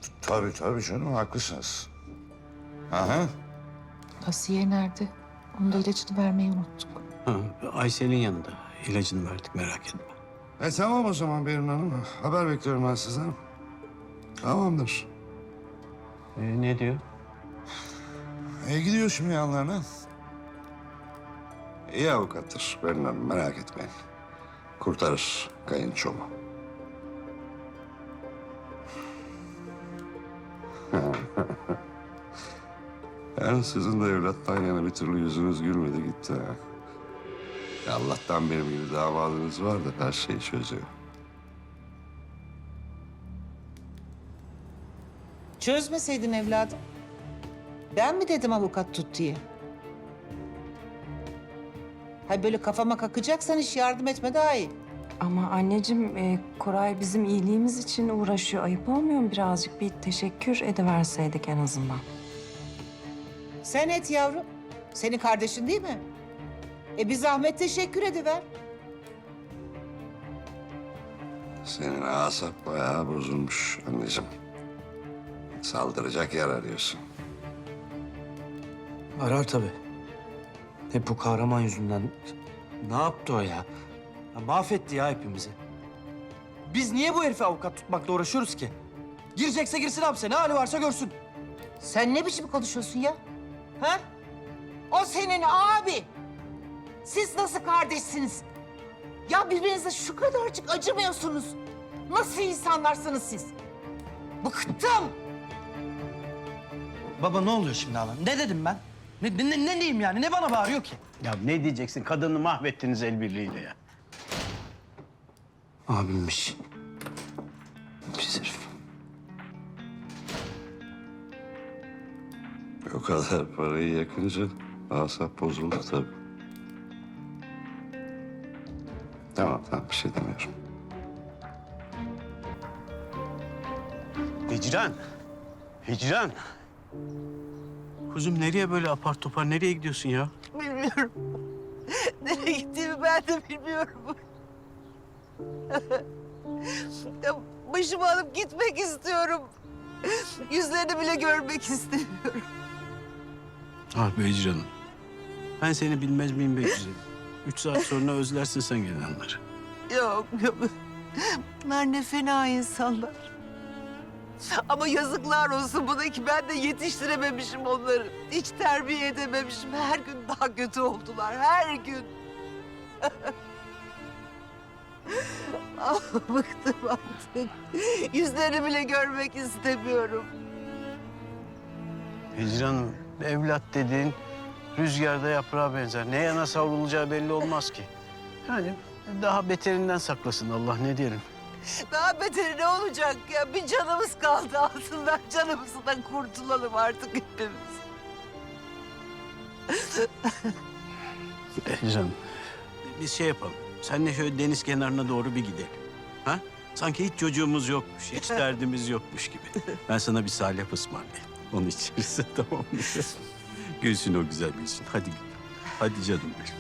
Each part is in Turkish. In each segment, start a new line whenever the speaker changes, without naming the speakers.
Tabii canım, haklısınız. Aha.
Asiye nerede? Onun da ilacını vermeyi unuttuk.
Ha, Aysel'in yanında. İlacını verdik, merak etme.
Tamam o zaman Berin Hanım. Haber bekliyorum ben sizden. Tamamdır.
Ne diyor?
Gidiyor şimdi yanlarına. İyi avukattır Berin Hanım, merak etmeyin. Kurtarır kayınçomu. Yani sizin de evlattan yana bir türlü yüzünüz gülmedi gitti ha. Allah'tan benim gibi damadınız var da her şeyi çözüyor.
Çözmeseydin evladım. Ben mi dedim avukat tut diye? Hay böyle kafama kakacaksan hiç yardım etme daha iyi.
Ama anneciğim, Koray bizim iyiliğimiz için uğraşıyor. Ayıp olmuyor mu birazcık? Bir teşekkür ediverseydik en azından.
Sen et yavrum. Senin kardeşin değil mi? Bir zahmet teşekkür ediver.
Senin asap bayağı bozulmuş anneciğim. Saldıracak yer arıyorsun.
Arar tabii. Hep bu kahraman yüzünden. Ne yaptı o ya? Mahvetti ya hepimizi. Biz niye bu herife avukat tutmakla uğraşıyoruz ki? Girecekse girsin hapse. Ne hali varsa görsün.
Sen ne biçim konuşuyorsun ya? Ha? O senin abi. Siz nasıl kardeşsiniz? Ya birbirinize şu kadarcık acımıyorsunuz. Nasıl insanlarsınız siz? Bıktım.
Baba ne oluyor şimdi hala? Ne dedim ben? Ne diyeyim yani? Ne bana bağırıyor ki?
Ya ne diyeceksin? Kadını mahvettiniz el birliğiyle ya.
Abimmiş. Pis herif.
O kadar parayı yakınca asap bozuldu tabii. Tamam bir şey demiyorum.
Hicran. Hicran. Kuzum nereye böyle apar topar? Nereye gidiyorsun ya?
Bilmiyorum. Nereye gittiğimi ben de bilmiyorum. Ya başımı alıp gitmek istiyorum. Yüzlerini bile görmek istemiyorum.
Ah be Hicran'ım. Ben seni bilmez miyim be güzelim? 3 saat sonra özlersin sen gelenleri.
Yok. Bunlar ne fena insanlar. Ama yazıklar olsun buna ki ben de yetiştirememişim onları. Hiç terbiye edememişim. Her gün daha kötü oldular. Her gün. Ah, bıktım artık. Yüzlerini bile görmek istemiyorum.
Hicran'ım evlat dediğin rüzgarda yaprağa benzer. Ne yana savrulacağı belli olmaz ki. Yani daha beterinden saklasın Allah, ne diyelim.
Daha beteri ne olacak ya? Bir canımız kaldı altından. Canımızdan kurtulalım artık hepimiz.
Hicran, biz şey yapalım. Seninle şöyle deniz kenarına doğru bir gidelim. Ha? Sanki hiç çocuğumuz yokmuş, hiç derdimiz yokmuş gibi. Ben sana bir salep ısmarlayayım. Onu içeriz, tamam mı? Gülsün o güzel gülsün. Hadi gül. Hadi canım benim.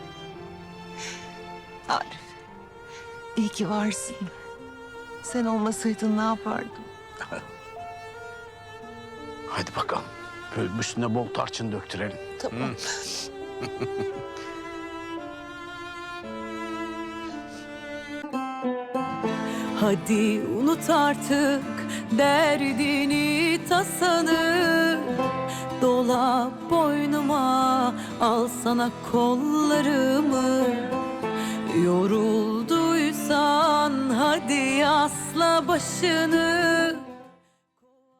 Arif, iyi ki varsın. Sen olmasaydın ne yapardım?
Hadi bakalım. Böyle üstüne bol tarçın döktürelim.
Tamam.
Hadi unut artık derdini tasanı. Dola boynuma, al sana kollarımı. Yorulduysan hadi asla başını.